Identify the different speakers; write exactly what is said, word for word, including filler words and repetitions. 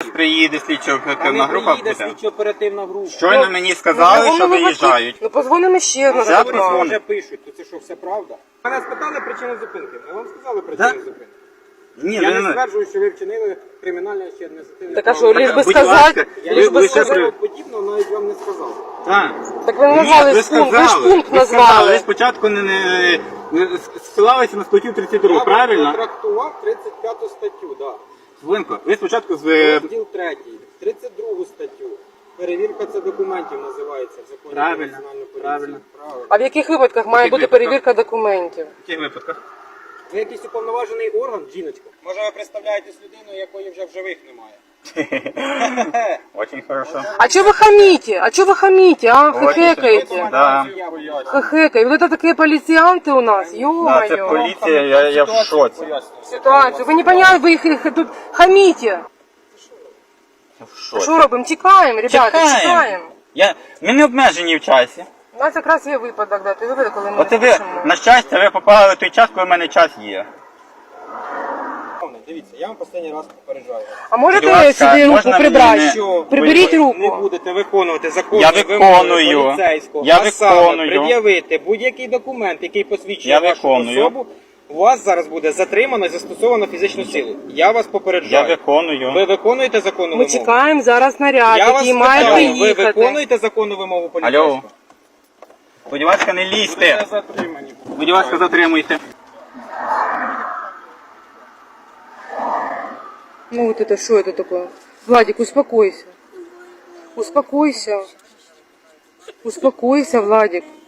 Speaker 1: Приїде слідчо-оперативна група буде.
Speaker 2: слідчо-оперативна група.
Speaker 1: Щойно мені сказали,
Speaker 3: Ну,
Speaker 1: що
Speaker 3: вони
Speaker 1: виїжджають.
Speaker 3: Ну позвонимо ще раз.
Speaker 1: Вже
Speaker 2: Вони
Speaker 1: позвоню.
Speaker 2: вже пишуть, то це що, все правда? Мене спитали причину зупинки. Ми вам сказали причину
Speaker 1: Да?
Speaker 2: зупинки.
Speaker 1: Ні,
Speaker 2: Я
Speaker 1: ви
Speaker 2: не стверджую, що ви вчинили кримінальне чи адміністративне.
Speaker 3: Так а що, лиш би
Speaker 1: Будь
Speaker 3: сказати,
Speaker 1: ласка,
Speaker 2: Я
Speaker 3: лиш
Speaker 1: ви-
Speaker 3: би
Speaker 1: ви ще
Speaker 3: сказати.
Speaker 1: при-
Speaker 2: подібного навіть вам не сказав.
Speaker 1: Так.
Speaker 3: Так ви не
Speaker 1: Ні,
Speaker 3: назвали
Speaker 1: ви
Speaker 3: пункт, ви ж
Speaker 1: сказали.
Speaker 3: пункт
Speaker 1: Ви сказали,
Speaker 3: назвали.
Speaker 1: ви спочатку не, не, не ссилалися на статтю тридцять другу,
Speaker 2: Я
Speaker 1: правильно?
Speaker 2: вам трактував тридцять п'яту статтю, да.
Speaker 1: Хвилинку, ви спочатку з...
Speaker 2: Розділ третій, тридцять другу статтю. Перевірка це документів називається в законі про
Speaker 1: Правильно,
Speaker 2: національну поліцію.
Speaker 1: правильно.
Speaker 2: Правильно.
Speaker 3: А в яких випадках має
Speaker 1: яких
Speaker 3: бути
Speaker 1: випадках?
Speaker 3: перевірка документів?
Speaker 1: В яких випадках?
Speaker 2: Ви якийсь уповноважений орган, жіночка? Може ви представляєтесь людиною, якої вже в живих немає?
Speaker 1: Очень хорошо.
Speaker 3: А чого ви хамите? А чого ви хамите, а?
Speaker 1: Ой,
Speaker 3: Хихекаете.
Speaker 1: Да.
Speaker 3: Хихекаете. Вот это такие полицианты у нас,
Speaker 1: Да, це
Speaker 3: ё-моё.
Speaker 1: поліція, я, я в шоці.
Speaker 3: Ситуацию. Ви не поняли, ви їх, їх тут хамите.
Speaker 1: Я в шоці.
Speaker 3: Що робимо? Тікаємо, ребята,
Speaker 1: Чекаємо.
Speaker 3: тікаємо.
Speaker 1: Я... Ми не обмежені в часі.
Speaker 3: У нас якраз є випадок, да, ти випадок, коли ми
Speaker 1: От
Speaker 3: не
Speaker 1: ви,
Speaker 3: пишемо.
Speaker 1: на щастя, ви попали в той час, коли в мене час є.
Speaker 2: Дивіться, я вам останній раз попереджаю вас.
Speaker 3: А можете
Speaker 1: Будь ласка,
Speaker 3: сюди руку
Speaker 1: можна
Speaker 3: прибрати?
Speaker 1: мені
Speaker 2: Що
Speaker 3: Приберіть
Speaker 2: ви
Speaker 3: руку.
Speaker 2: не будете виконувати законні
Speaker 1: Я
Speaker 2: вимоги
Speaker 1: виконую.
Speaker 2: поліцейського,
Speaker 1: Я
Speaker 2: а саме
Speaker 1: виконую.
Speaker 2: пред'явити будь-який документ, який посвідчує
Speaker 1: Я
Speaker 2: вашу
Speaker 1: виконую.
Speaker 2: особу, у вас зараз буде затримано і застосовано фізичну силу. Я вас
Speaker 1: Я
Speaker 2: попереджаю.
Speaker 1: виконую.
Speaker 2: Ви виконуєте законну
Speaker 3: Ми
Speaker 2: вимогу?
Speaker 3: чекаємо зараз наряд,
Speaker 2: Я вас
Speaker 3: який має
Speaker 2: питаю, ви
Speaker 3: приїхати.
Speaker 2: виконуєте законну вимогу поліцейського?
Speaker 1: Алло. Будь ласка, не
Speaker 2: Ви
Speaker 1: лізьте.
Speaker 2: затримані.
Speaker 1: Будь ласка, затримуйте.
Speaker 3: Ну вот это что это такое? Владик, успокойся. Успокойся. Успокойся, Владик.